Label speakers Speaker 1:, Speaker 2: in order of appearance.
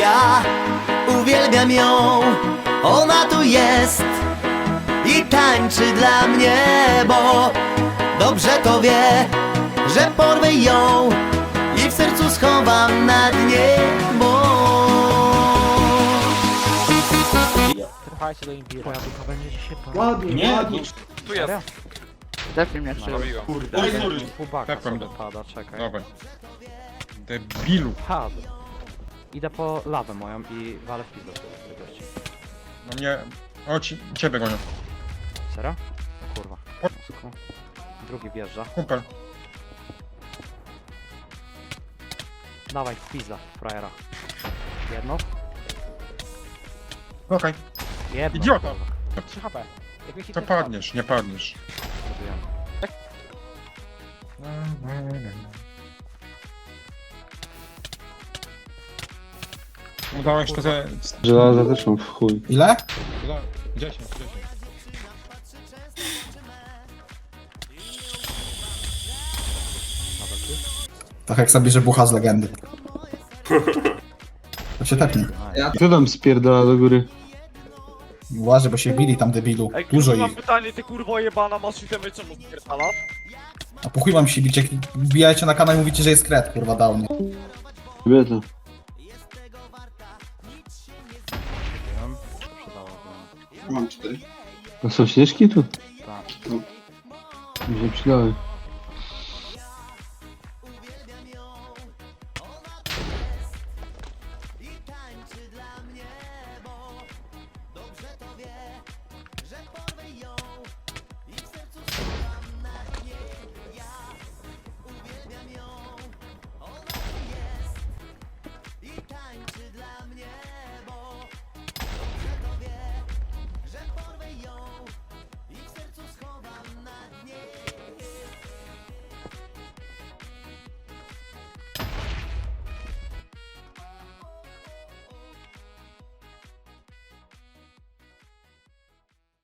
Speaker 1: ja uwielbiam ją. Ona tu jest i tańczy dla mnie, bo dobrze to wie, że porwę ją i w sercu schowam na dnie, bo...
Speaker 2: Trwajcie do imbiru.
Speaker 3: Twoja ducha będzie dzisiaj
Speaker 4: Ładnie,
Speaker 5: Nie,
Speaker 4: ładnie.
Speaker 5: tu jest.
Speaker 3: Depnij mnie jeszcze.
Speaker 5: Robiłem.
Speaker 4: Kurde.
Speaker 5: Oj, sorry.
Speaker 3: Pubaka
Speaker 6: Tepłem
Speaker 3: sobie
Speaker 6: do-
Speaker 3: pada, czekaj.
Speaker 6: Dawaj. Debilu.
Speaker 3: Pad. Idę po lawę moją i walę w pizdę sobie gości.
Speaker 6: No mnie... O, ciebie gonią.
Speaker 3: Serio? O kurwa. Mózgu. Drugi wjeżdża.
Speaker 6: Kumpel.
Speaker 3: Dawaj, pizda, frajera. Jedno?
Speaker 6: Okej.
Speaker 3: Jedno.
Speaker 6: Idiota.
Speaker 3: kurwa.
Speaker 2: 3 HP. Jak mi
Speaker 6: To padniesz, nie padniesz.
Speaker 3: Zrobiłem.
Speaker 6: Udało się to ze...
Speaker 7: Żelaza też mam w chuj.
Speaker 4: Ile?
Speaker 6: 10.
Speaker 4: Tak jak sobie, że bucha z legendy. To się tepnie.
Speaker 7: Kto tam spierdala do góry?
Speaker 4: Uważaj, bo się bili tam debilu.
Speaker 2: Ej,
Speaker 4: Dużo
Speaker 2: kurwa, mam
Speaker 4: ich.
Speaker 2: pytanie, ty kurwo jebana, masz itemy, czemu spierdala?
Speaker 4: A po chuj mam się bić, jak wbijajcie na kanał i mówicie, że jest kret, kurwa, dał mnie.
Speaker 7: Wie to.
Speaker 3: Zrobiłem. Przydałoby.
Speaker 8: Mam 4.
Speaker 7: A są śnieżki tu?
Speaker 3: Tak.
Speaker 7: Mi się przydały.